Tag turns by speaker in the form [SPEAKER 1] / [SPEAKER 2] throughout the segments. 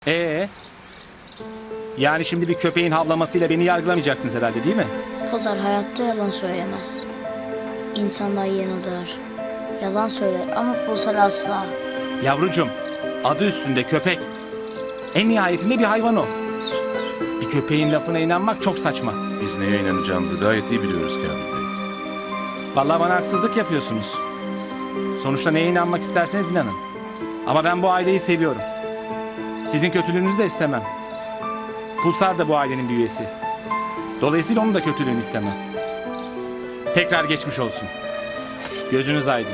[SPEAKER 1] Ee? Yani şimdi bir köpeğin havlamasıyla beni yargılamayacaksınız herhalde, değil mi?
[SPEAKER 2] Pulsar hayatta yalan söylemez. İnsanlar yanılır, yalan söyler ama Pulsar asla.
[SPEAKER 1] Yavrucuğum, adı üstünde köpek. En nihayetinde bir hayvan o. Bir köpeğin lafına inanmak çok saçma.
[SPEAKER 3] Biz neye inanacağımızı gayet iyi biliyoruz Kamil Bey.
[SPEAKER 1] Vallahi bana haksızlık yapıyorsunuz. Sonuçta neye inanmak isterseniz inanın. Ama ben bu aileyi seviyorum. Sizin kötülüğünüzü de istemem. Pulsar da bu ailenin bir üyesi. Dolayısıyla onun da kötülüğünü istemem. Tekrar geçmiş olsun. Gözünüz aydın.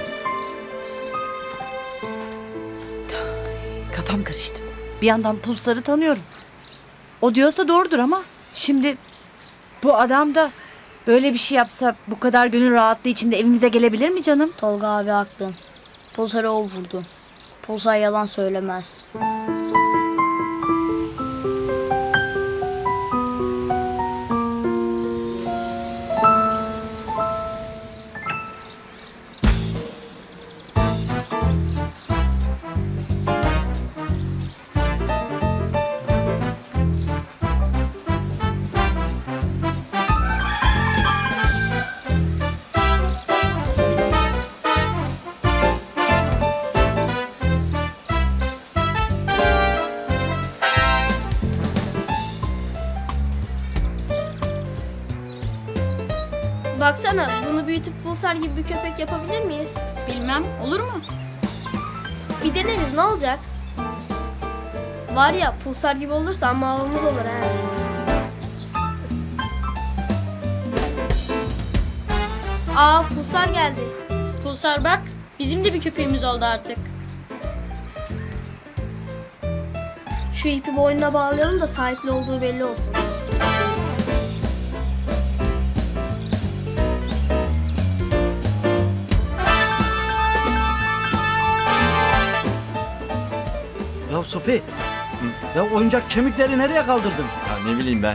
[SPEAKER 4] Kafam karıştı. Bir yandan Pulsar'ı tanıyorum. O diyorsa doğrudur ama şimdi bu adam da böyle bir şey yapsa bu kadar gönül rahatlığı içinde evimize gelebilir mi canım?
[SPEAKER 2] Tolga abi haklı. Pulsar'ı o vurdu. Pulsar yalan söylemez.
[SPEAKER 5] Baksana, bunu büyütüp Pulsar gibi bir köpek yapabilir miyiz?
[SPEAKER 6] Bilmem, olur mu?
[SPEAKER 5] Bir deneriz, ne olacak? Var ya, Pulsar gibi olursa amma havamız olur ha. Aa, Pulsar geldi.
[SPEAKER 6] Pulsar bak, bizim de bir köpeğimiz oldu artık.
[SPEAKER 5] Şu ipi boynuna bağlayalım da sahipli olduğu belli olsun.
[SPEAKER 7] Ya Sopi, ya oyuncak kemikleri nereye kaldırdın?
[SPEAKER 8] Ya ne bileyim ben.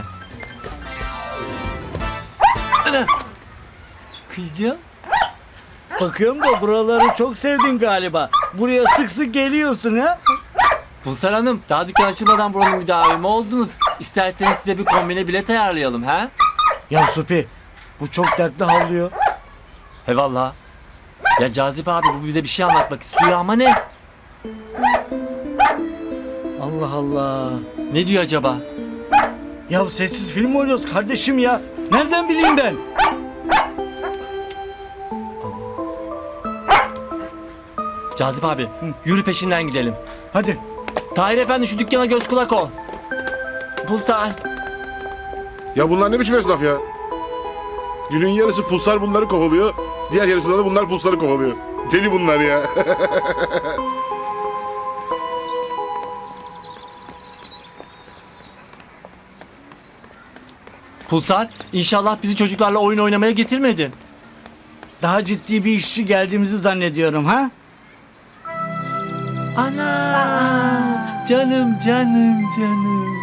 [SPEAKER 8] Ana! Kızım.
[SPEAKER 7] Bakıyorum da buraları çok sevdin galiba. Buraya sık sık geliyorsun ha?
[SPEAKER 8] Pulsar Hanım, daha dükkan açılmadan buranın müdavimi oldunuz. İsterseniz size bir kombine bilet ayarlayalım ha?
[SPEAKER 7] Ya Sopi, bu çok dertli havlıyor.
[SPEAKER 8] He valla. Ya Cazip abi bu bize bir şey anlatmak istiyor ama ne?
[SPEAKER 7] Allah Allah.
[SPEAKER 8] Ne diyor acaba?
[SPEAKER 7] Ya sessiz film mi oynuyoruz kardeşim ya? Nereden bileyim ben?
[SPEAKER 8] Cazip abi, yürü peşinden gidelim.
[SPEAKER 7] Hadi.
[SPEAKER 8] Tahir Efendi şu dükkana göz kulak ol. Pulsar.
[SPEAKER 3] Ya bunlar ne biçim esnaf ya? Günün yarısı Pulsar bunları kovalıyor. Diğer yarısında da bunlar Pulsar'ı kovalıyor. Deli bunlar ya.
[SPEAKER 8] Pulsar, inşallah bizi çocuklarla oyun oynamaya getirmedin.
[SPEAKER 7] Daha ciddi bir işçi geldiğimizi zannediyorum ha?
[SPEAKER 8] Ana! Canım, canım, canım.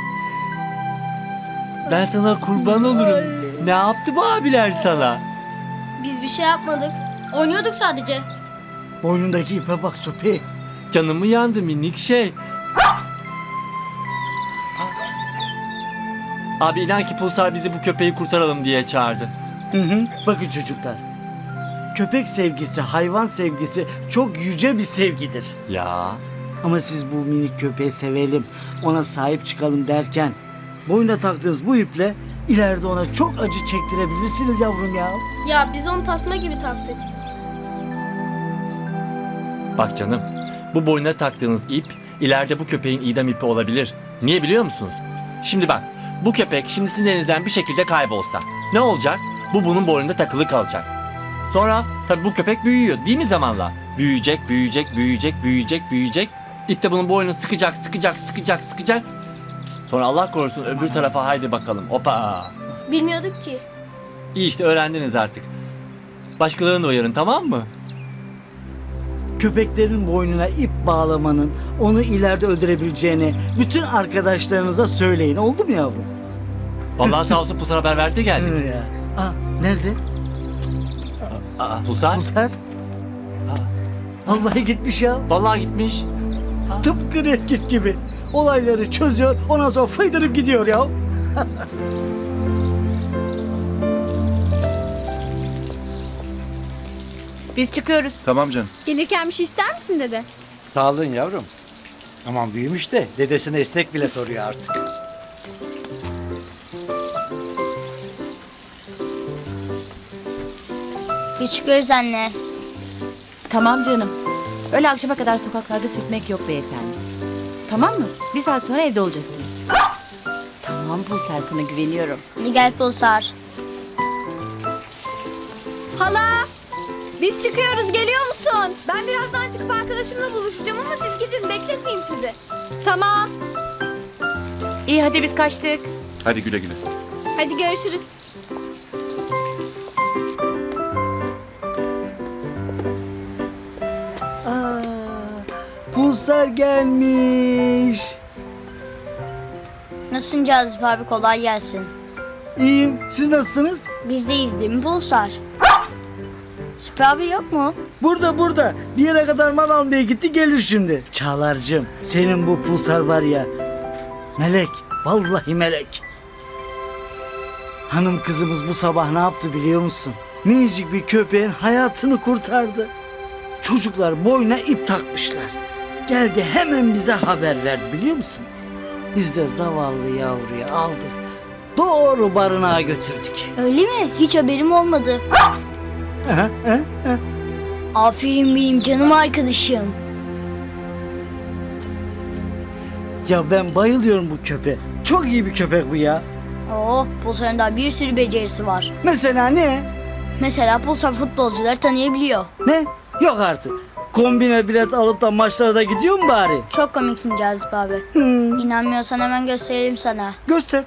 [SPEAKER 8] Ben sana kurban olurum. Ne yaptı bu abiler sana?
[SPEAKER 5] Biz bir şey yapmadık.
[SPEAKER 6] Oynuyorduk sadece.
[SPEAKER 7] Boynundaki ipe bak Sopi.
[SPEAKER 8] Canımı yandı minik şey. Abi inan ki Pulsar bizi bu köpeği kurtaralım diye çağırdı.
[SPEAKER 7] Hı. Bakın çocuklar. Köpek sevgisi, hayvan sevgisi çok yüce bir sevgidir.
[SPEAKER 8] Ya.
[SPEAKER 7] Ama siz bu minik köpeği sevelim, ona sahip çıkalım derken boynuna taktığınız bu iple ileride ona çok acı çektirebilirsiniz yavrum ya.
[SPEAKER 5] Ya biz onu tasma gibi taktık.
[SPEAKER 8] Bak canım, bu boynuna taktığınız ip ileride bu köpeğin idam ipi olabilir. Niye biliyor musunuz? Şimdi bak, bu köpek şimdi sizin elinizden bir şekilde kaybolsa ne olacak? Bu bunun boynunda takılı kalacak. Sonra tabii bu köpek büyüyor değil mi zamanla? Büyüyecek, büyüyecek, büyüyecek, büyüyecek, büyüyecek. İp de bunun boynunu sıkacak, sıkacak, sıkacak, sıkacak. Sonra Allah korusun öbür tarafa haydi bakalım. Hopa.
[SPEAKER 5] Bilmiyorduk ki.
[SPEAKER 8] İyi işte öğrendiniz artık. Başkalarını da uyarın tamam mı?
[SPEAKER 7] Köpeklerin boynuna ip bağlamanın onu ileride öldürebileceğini bütün arkadaşlarınıza söyleyin. Oldu mu yavrum?
[SPEAKER 8] Vallahi sağ olsun Pulsar haber verdi geldi.
[SPEAKER 7] Ya. Aa, nerede?
[SPEAKER 8] Pulsar?
[SPEAKER 7] Pulsar? Vallahi gitmiş ya.
[SPEAKER 8] Vallahi gitmiş.
[SPEAKER 7] Tıpkı Red Kit gibi. olayları çözüyor, ondan sonra fıydırıp gidiyor ya.
[SPEAKER 4] Biz çıkıyoruz.
[SPEAKER 9] Tamam canım.
[SPEAKER 6] Gelirken bir şey ister misin dede?
[SPEAKER 10] Sağ olun yavrum. Aman büyümüş de dedesine istek bile soruyor artık.
[SPEAKER 2] Biz çıkıyoruz anne.
[SPEAKER 4] Tamam canım. Öyle akşama kadar sokaklarda sürtmek yok beyefendi. Tamam mı? Bir saat sonra evde olacaksınız. Tamam Pulser, sana güveniyorum.
[SPEAKER 2] Hadi gel Pulsar.
[SPEAKER 5] Hala! Biz çıkıyoruz, geliyor musun? Ben birazdan çıkıp arkadaşımla buluşacağım ama siz gidin, bekletmeyeyim sizi. Tamam.
[SPEAKER 4] İyi hadi biz kaçtık.
[SPEAKER 9] Hadi güle güle.
[SPEAKER 5] Hadi görüşürüz.
[SPEAKER 7] Aa, Pulsar gelmiş.
[SPEAKER 2] Nasılsın Cazip abi, kolay gelsin.
[SPEAKER 7] İyiyim, siz nasılsınız?
[SPEAKER 2] Biz deyiz değil mi Pulsar? Süper abi yok mu?
[SPEAKER 7] Burada. Bir yere kadar mal almaya gitti, gelir şimdi. Çağlar'cığım, senin bu Pulsar var ya, melek, vallahi melek. Hanım kızımız bu sabah ne yaptı biliyor musun? Minicik bir köpeğin hayatını kurtardı. Çocuklar boyuna ip takmışlar. Geldi hemen bize haber verdi biliyor musun? Biz de zavallı yavruyu aldık. Doğru barınağa götürdük.
[SPEAKER 2] Öyle mi? Hiç haberim olmadı. Aferin benim canım arkadaşım.
[SPEAKER 7] Ya ben bayılıyorum bu köpeğe. Çok iyi bir köpek bu ya.
[SPEAKER 2] Oo, Pulsar'ın daha bir sürü becerisi var.
[SPEAKER 7] Mesela ne?
[SPEAKER 2] Mesela Pulsar futbolcuları tanıyabiliyor.
[SPEAKER 7] Ne? Yok artık. Kombine bilet alıp da maçlara da gidiyor mu bari?
[SPEAKER 2] Çok komiksin Cazip abi. İnanmıyorsan hemen gösterelim sana.
[SPEAKER 7] Göster.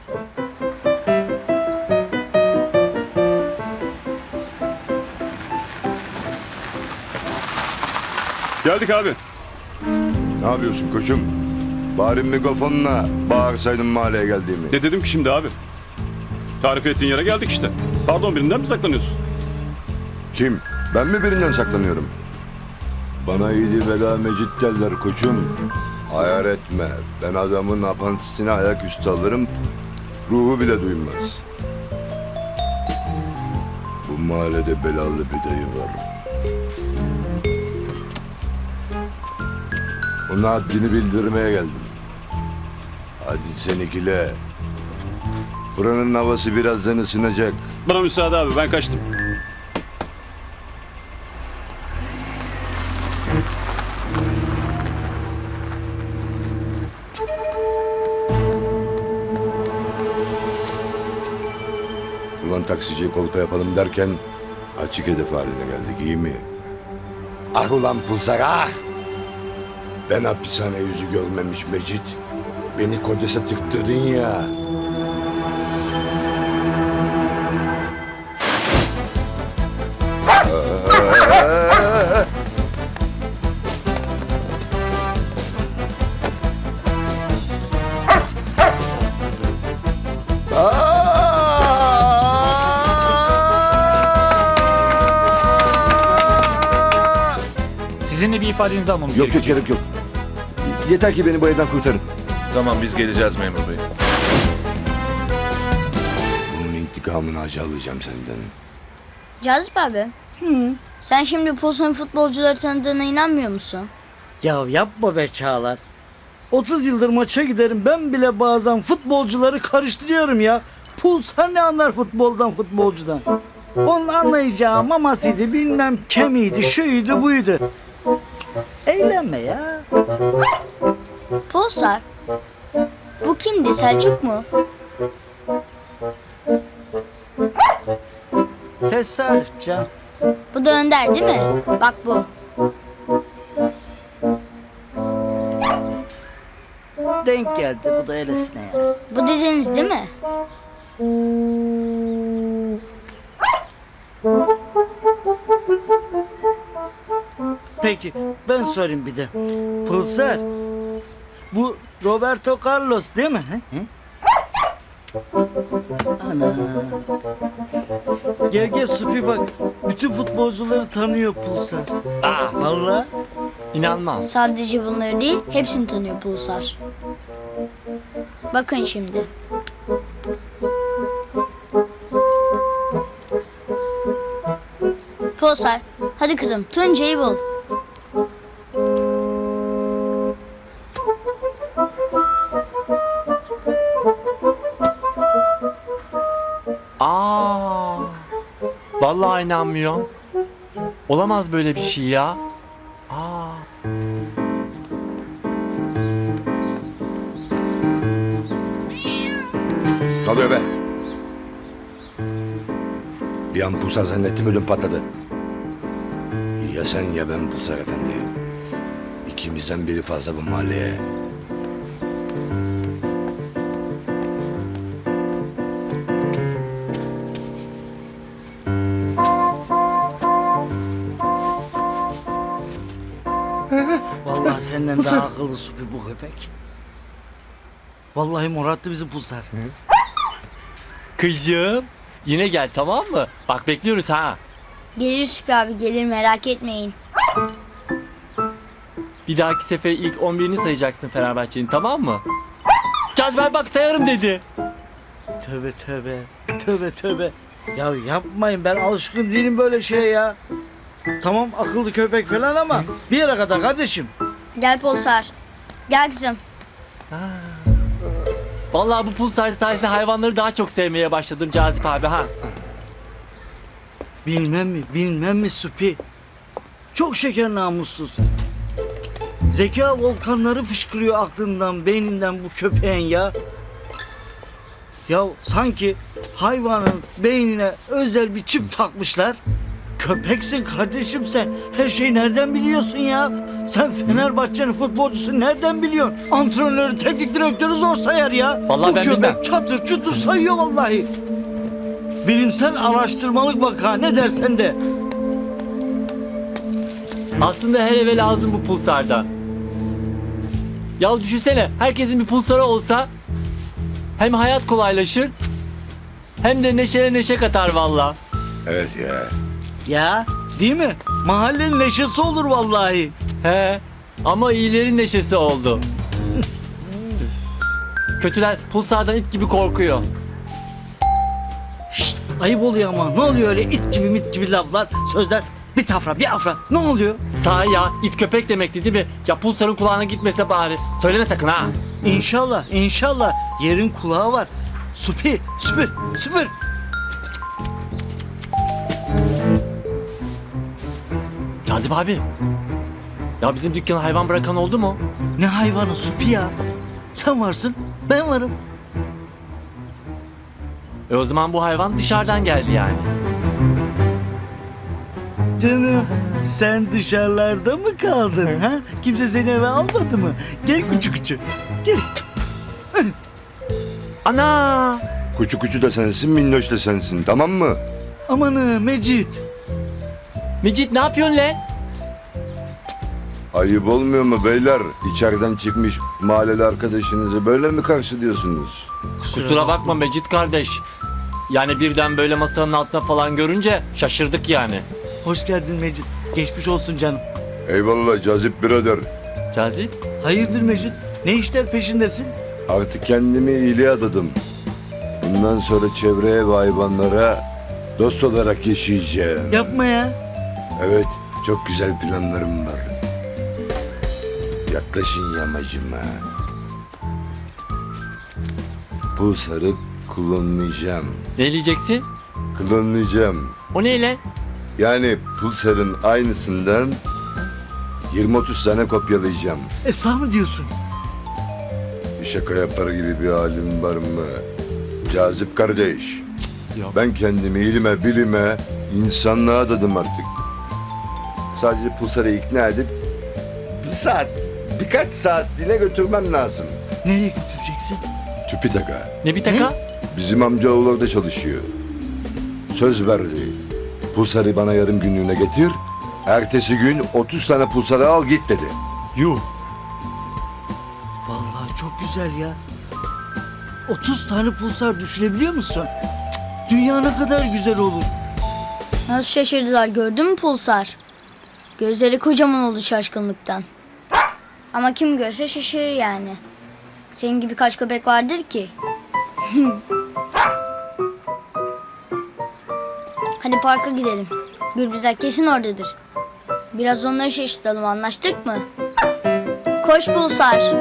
[SPEAKER 9] Geldik abi.
[SPEAKER 3] Ne yapıyorsun koçum? Bari mikrofonla bağırsaydın mahalleye geldiğimi.
[SPEAKER 9] Ne dedim ki şimdi abi? Tarif ettiğin yere geldik işte. Pardon, birinden mi saklanıyorsun?
[SPEAKER 3] Kim? Ben mi birinden saklanıyorum? Bana iyiydi vela mecit derler koçum. Hayal etme. Ben adamın apantisine ayaküstü alırım. Ruhu bile duymaz. Bu mahallede belalı bir dayı var. Ona haddini bildirmeye geldim. Hadi sen ikile. Buranın havası birazdan ısınacak.
[SPEAKER 9] Bana müsaade abi, ben kaçtım.
[SPEAKER 3] Ulan taksiciye kolpa yapalım derken açık hedef haline geldik, iyi mi? Ah ulan Pulsar ah! Ben hapishane yüzü görmemiş Mecit. Beni kodese tıktırdın ya.
[SPEAKER 8] Sizinle bir ifadenizi almamız
[SPEAKER 3] Yok gerek yok. Yeter ki beni bu evden kurtarın.
[SPEAKER 9] Tamam, biz geleceğiz memur bey.
[SPEAKER 3] Bunun intikamını acı alacağım senden.
[SPEAKER 2] Cazip abi. Sen şimdi Pulsar'ın futbolcuları tanıdığına inanmıyor musun?
[SPEAKER 7] Ya yapma be Çağlar. 30 yıldır maça giderim, ben bile bazen futbolcuları karıştırıyorum ya. Pulsar ne anlar futboldan, futbolcudan? Onun anlayacağı mamasıydı, bilmem kemiydi, şuydu buydu. Cık, eğlenme ya.
[SPEAKER 2] Pulsar. Bu kimdi, Selçuk mu?
[SPEAKER 7] Tesadüf can.
[SPEAKER 2] Bu da Önder değil mi? Bak bu.
[SPEAKER 7] Denk geldi, bu da öylesine ya.
[SPEAKER 2] Bu dedeniz değil mi?
[SPEAKER 7] Peki ben sorayım bir de. Pulsar. Bu Roberto Carlos değil mi? He? Ana. Gel Supi bak. Bütün futbolcuları tanıyor Pulsar.
[SPEAKER 8] Aa,
[SPEAKER 7] Vallahi.
[SPEAKER 8] inanmaz.
[SPEAKER 2] Sadece bunları değil, hepsini tanıyor Pulsar. Bakın şimdi. Pulsar, hadi kızım Tuncay'ı bul.
[SPEAKER 8] Aa! Vallahi inanmıyorum. Olamaz böyle bir şey ya. Aa!
[SPEAKER 3] Ne oluyor be? Bir an Pulsar zannettim, ödüm patladı. Ya sen ya ben Pulsar efendi. İkimizden biri fazla bu mahalleye.
[SPEAKER 7] Vallahi senden daha akıllı Supi bu köpek. Vallahi morattı bizi Pulsar.
[SPEAKER 8] Kızım, yine gel tamam mı? Bak bekliyoruz ha.
[SPEAKER 2] Gelir Süper abi gelir, merak etmeyin.
[SPEAKER 8] Bir dahaki sefer ilk 11'ini sayacaksın Fenerbahçe'nin, tamam mı? Cazibe bak sayarım dedi.
[SPEAKER 7] Tövbe tövbe. Tövbe tövbe. Ya yapmayın, ben alışkın değilim böyle şeye ya. Tamam akıllı köpek falan ama bir yere kadar kardeşim.
[SPEAKER 2] Gel Pulsar. Gel kızım.
[SPEAKER 8] Vallahi bu pulsar sayesinde hayvanları daha çok sevmeye başladım Cazip abi ha.
[SPEAKER 7] Bilmem mi Supi? Çok şeker namussuz. Zeka volkanları fışkırıyor aklından, beyninden bu köpeğin ya. Ya sanki hayvanın beynine özel bir çip takmışlar. Köpeksin kardeşim sen. Her şeyi nereden biliyorsun ya? Sen Fenerbahçe'nin futbolcusu nereden biliyorsun? Antrenörü, teknik direktörü zor sayar ya.
[SPEAKER 8] Vallahi
[SPEAKER 7] bu
[SPEAKER 8] ben
[SPEAKER 7] köpek
[SPEAKER 8] bilmem.
[SPEAKER 7] çatır çutur sayıyor vallahi. Bilimsel araştırmalık vaka, ne dersen de.
[SPEAKER 8] Aslında her eve lazım bu pulsarda. Ya düşünsene herkesin bir pulsarı olsa hem hayat kolaylaşır hem de neşeye neşe katar valla.
[SPEAKER 3] Evet ya.
[SPEAKER 7] Ya değil mi? Mahallenin neşesi olur vallahi.
[SPEAKER 8] He ama iyilerin neşesi oldu. Kötüler pulsardan it gibi korkuyor.
[SPEAKER 7] Şşt, ayıp oluyor ama. Ne oluyor öyle it gibi mit gibi laflar, sözler? Bir tafra bir afra. Ne oluyor?
[SPEAKER 8] Sahi ya it köpek demekti değil mi? Ya pulsarın kulağına gitmese bari. Söyleme sakın ha.
[SPEAKER 7] İnşallah yerin kulağı var. Süper.
[SPEAKER 8] Cazip abi. Ya bizim dükkana hayvan bırakan oldu mu?
[SPEAKER 7] Ne hayvanı Supi ya? Sen varsın, ben varım.
[SPEAKER 8] O zaman bu hayvan dışarıdan geldi yani.
[SPEAKER 7] Canım, sen dışarılarda mı kaldın ha? Kimse seni eve almadı mı? Gel küçük. Gel.
[SPEAKER 8] Ana!
[SPEAKER 3] Kuçu da sensin, minnoş da sensin, tamam mı?
[SPEAKER 7] Amanı Mecit.
[SPEAKER 8] Mecit ne yapıyorsun lan?
[SPEAKER 3] Ayıp olmuyor mu beyler? İçeriden çıkmış mahalleli arkadaşınızı böyle mi karşılıyorsunuz?
[SPEAKER 8] Kusura bakma Mecit kardeş. Yani birden böyle masanın altına falan görünce şaşırdık yani.
[SPEAKER 7] Hoş geldin Mecit. Geçmiş olsun canım.
[SPEAKER 3] Eyvallah Cazip birader.
[SPEAKER 8] Cazip?
[SPEAKER 7] Hayırdır Mecit? Ne işler peşindesin?
[SPEAKER 3] Artık kendimi iyiliğe adadım. Bundan sonra çevreye ve hayvanlara dost olarak yaşayacağım.
[SPEAKER 7] Yapma ya.
[SPEAKER 3] Evet, çok güzel planlarım var. Yaklaşın yamacıma. Pulsarı klonlayacağım.
[SPEAKER 8] Ne diyeceksin?
[SPEAKER 3] Klonlayacağım.
[SPEAKER 8] O ne lan?
[SPEAKER 3] Yani Pulsar'ın aynısından 20-30 tane kopyalayacağım.
[SPEAKER 7] Sağ mı diyorsun?
[SPEAKER 3] Bir şaka yapar gibi bir halim var mı? Cazip kardeş.
[SPEAKER 8] Yok.
[SPEAKER 3] Ben kendimi ilime, bilime, insanlığa adadım artık. Sadece Pulsar'ı ikna edip birkaç saatliğine götürmem lazım.
[SPEAKER 7] Nereye götüreceksin?
[SPEAKER 3] TÜBİTAK'a.
[SPEAKER 8] Ne bir taka?
[SPEAKER 3] Bizim amcaoğlu orada çalışıyor. Söz verdi. Pulsar'ı bana yarım günlüğüne getir. Ertesi gün 30 tane Pulsar'ı al git dedi.
[SPEAKER 8] Yuh.
[SPEAKER 7] Vallahi çok güzel ya. 30 tane pulsar düşünebiliyor musun? Cık, dünya ne kadar güzel olur.
[SPEAKER 2] Nasıl şaşırdılar gördün mü Pulsar? Gözleri kocaman oldu şaşkınlıktan. Ama kim görse şaşırır yani. Senin gibi kaç köpek vardır ki? Hadi parka gidelim. Gürbüzler kesin oradadır. Biraz onları şaşırtalım, anlaştık mı? Koş Pulsar.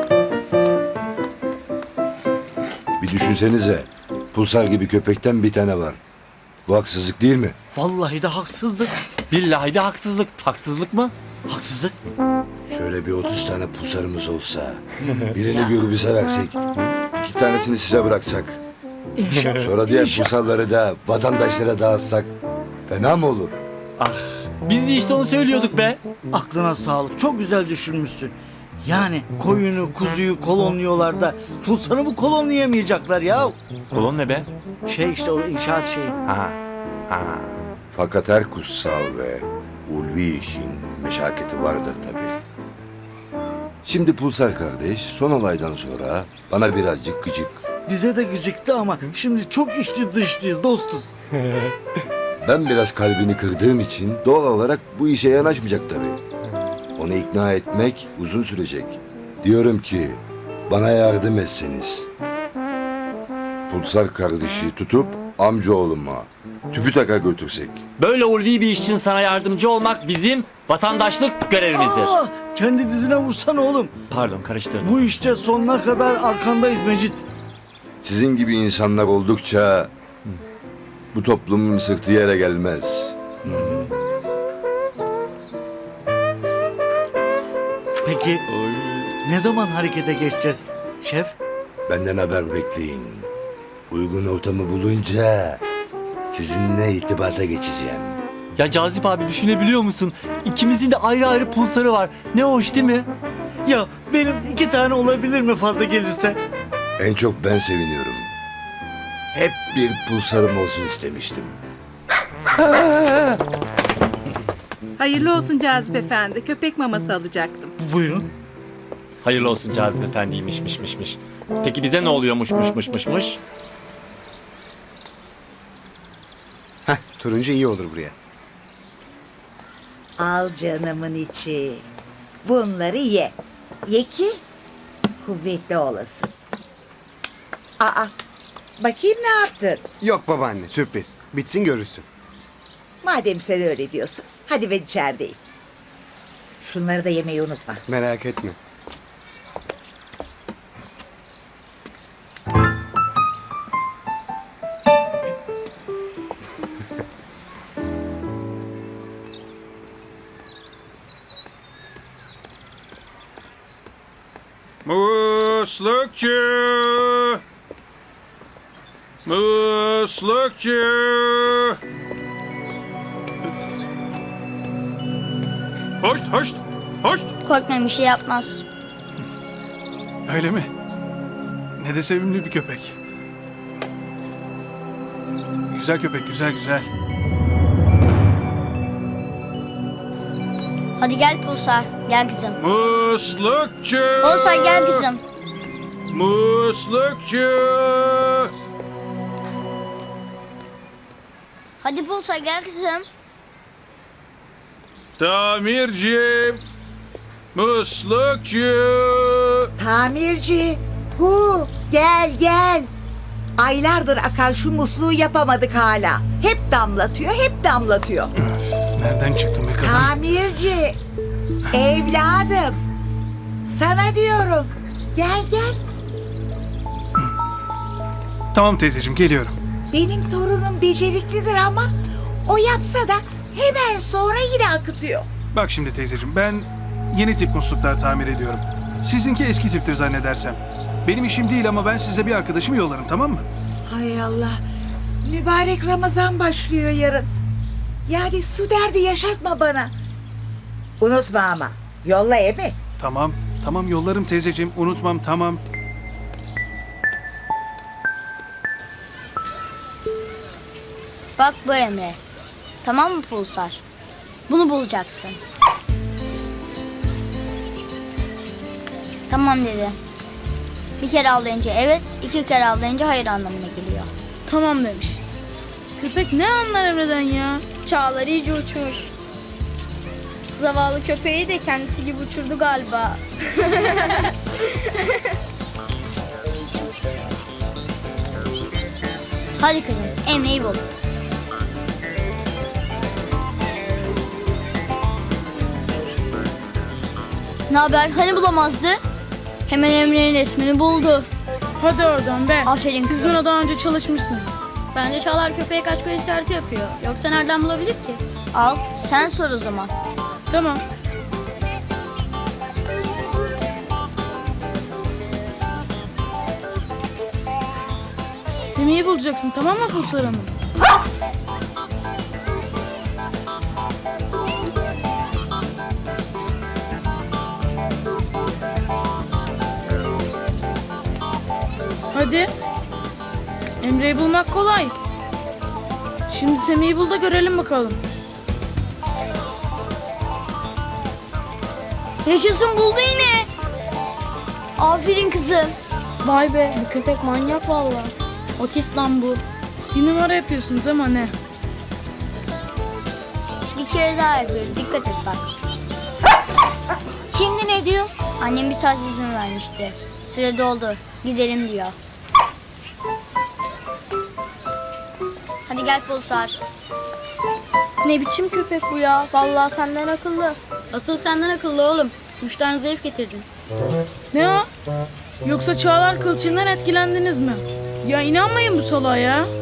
[SPEAKER 3] Bir düşünsenize. Pulsar gibi köpekten bir tane var. Bu haksızlık değil mi?
[SPEAKER 7] Vallahi de haksızlık.
[SPEAKER 8] Billahi de haksızlık. Haksızlık mı?
[SPEAKER 7] Haksızlık.
[SPEAKER 3] Şöyle bir 30 tane pulsarımız olsa. Birini Gürbüz'e versek. 2 tanesini size bıraksak. Sonra diğer pulsarları da vatandaşlara dağıtsak. Fena mı olur?
[SPEAKER 8] Ah, biz de işte onu söylüyorduk be.
[SPEAKER 7] Aklına sağlık. Çok güzel düşünmüşsün. Yani koyunu, kuzuyu kolonluyorlar da pulsarı mı kolonlayamayacaklar ya?
[SPEAKER 8] Kolon ne be?
[SPEAKER 7] Şey işte o inşaat şeyi.
[SPEAKER 8] Ha. Ha.
[SPEAKER 3] Fakat her kutsal ve ulvi işin meşakkati vardır tabii. Şimdi Pulsar kardeş son olaydan sonra bana birazcık gıcık.
[SPEAKER 7] Bize de gıcıktı ama şimdi çok içli dışlıyız, dostuz.
[SPEAKER 3] Ben biraz kalbini kırdığım için doğal olarak bu işe yanaşmayacak tabii. Onu ikna etmek uzun sürecek. Diyorum ki bana yardım etseniz. Pulsar kardeşi tutup amcaoğluma TÜBİTAK'a götürsek.
[SPEAKER 8] Böyle ulvi bir iş için sana yardımcı olmak bizim vatandaşlık görevimizdir.
[SPEAKER 7] Aa, kendi dizine vursana oğlum.
[SPEAKER 8] Pardon, karıştırdım.
[SPEAKER 7] Bu işte sonuna kadar arkandayız Mecit.
[SPEAKER 3] Sizin gibi insanlar oldukça bu toplumun sırtı yere gelmez.
[SPEAKER 7] Peki ne zaman harekete geçeceğiz şef?
[SPEAKER 3] Benden haber bekleyin. Uygun ortamı bulunca sizinle irtibata geçeceğim.
[SPEAKER 8] Ya Cazip abi, düşünebiliyor musun? İkimizin de ayrı ayrı pulsarı var. Ne hoş değil mi?
[SPEAKER 7] Ya benim 2 tane olabilir mi fazla gelirse?
[SPEAKER 3] En çok ben seviniyorum. Hep bir pulsarım olsun istemiştim.
[SPEAKER 11] Hayırlı olsun Cazip Efendi. Köpek maması alacaktım.
[SPEAKER 7] Buyurun.
[SPEAKER 8] Hayırlı olsun Cazip Efendi'ymiş. Peki bize ne oluyormuş?
[SPEAKER 10] Turuncu iyi olur buraya.
[SPEAKER 12] Al canımın içi. Bunları ye. Ye ki kuvvetli olasın. Aa, bakayım ne yaptın?
[SPEAKER 10] Yok babaanne, sürpriz. Bitsin görürsün.
[SPEAKER 12] Madem sen öyle diyorsun, hadi ben içerideyim. Şunları da yemeyi unutma.
[SPEAKER 10] Merak etme.
[SPEAKER 9] Muslukçu! Muslukçu! Hoşt!
[SPEAKER 2] Korkmayın, bir şey yapmaz.
[SPEAKER 9] Öyle mi? Ne de sevimli bir köpek. Güzel köpek, güzel.
[SPEAKER 2] Hadi gel Pulsar, gel kızım.
[SPEAKER 9] Muslukçu!
[SPEAKER 2] Pulsar gel kızım.
[SPEAKER 9] Muslukçu!
[SPEAKER 2] Hadi Pulsar gel kızım.
[SPEAKER 9] Tamirci! Muslukçu!
[SPEAKER 12] Tamirci, gel. Aylardır akan şu musluğu yapamadık hala. Hep damlatıyor.
[SPEAKER 9] Nereden çıktın be kadın?
[SPEAKER 12] Tamirci, evladım. Sana diyorum. Gel.
[SPEAKER 9] Tamam teyzeciğim, geliyorum.
[SPEAKER 12] Benim torunum beceriklidir ama o yapsa da hemen sonra yine akıtıyor.
[SPEAKER 9] Bak şimdi teyzeciğim, ben yeni tip musluklar tamir ediyorum. Sizinki eski tiptir zannedersem. Benim işim değil ama ben size bir arkadaşımı yollarım, tamam mı?
[SPEAKER 12] Hay Allah. Mübarek Ramazan başlıyor yarın. Yani su derdi yaşatma bana. Unutma ama. Yolla emi.
[SPEAKER 9] Tamam yollarım teyzeciğim, unutmam, tamam.
[SPEAKER 2] Bak bu Emre. Tamam mı Pulsar? Bunu bulacaksın. Tamam dedi. Bir kere avlayınca evet, 2 kere avlayınca hayır anlamına geliyor.
[SPEAKER 6] Tamam demiş. Köpek ne anlar Emre'den ya?
[SPEAKER 5] Çağlar iyice uçmuş. Zavallı köpeği de kendisi gibi uçurdu galiba.
[SPEAKER 2] Hadi kızım, Emre'yi bul. Ne haber? Hani bulamazdı? Hemen Emre'nin resmini buldu.
[SPEAKER 6] Hadi oradan be.
[SPEAKER 2] Aferin
[SPEAKER 6] Siz
[SPEAKER 2] kızım.
[SPEAKER 6] buna daha önce çalışmışsınız. Bence Çağlar köpeğe kaç göz işareti yapıyor. Yoksa nereden bulabilir ki?
[SPEAKER 2] Al, sen sor o zaman.
[SPEAKER 6] Tamam. Semih'i bulacaksın, tamam mı Pulsar Hanım? Hadi. Emre'yi bulmak kolay. Şimdi Semih'i bul da görelim bakalım.
[SPEAKER 2] Yaşasın, buldu yine. Aferin kızım.
[SPEAKER 6] Vay be, bu köpek manyak vallahi. Otist lan bu. Bir numara yapıyorsunuz ama ne?
[SPEAKER 2] Bir kere daha yapıyoruz. Dikkat et bak.
[SPEAKER 12] Şimdi ne diyor?
[SPEAKER 2] Annem bir saat izin vermişti. Süre doldu. Gidelim diyor. Hadi gel Pulsar.
[SPEAKER 6] Ne biçim köpek bu ya? Vallahi senden akıllı. Asıl senden akıllı oğlum. 3 tane zayıf getirdin. Ne o? Yoksa Çağlar kılçığından etkilendiniz mi? Ya inanmayın bu salağa ya.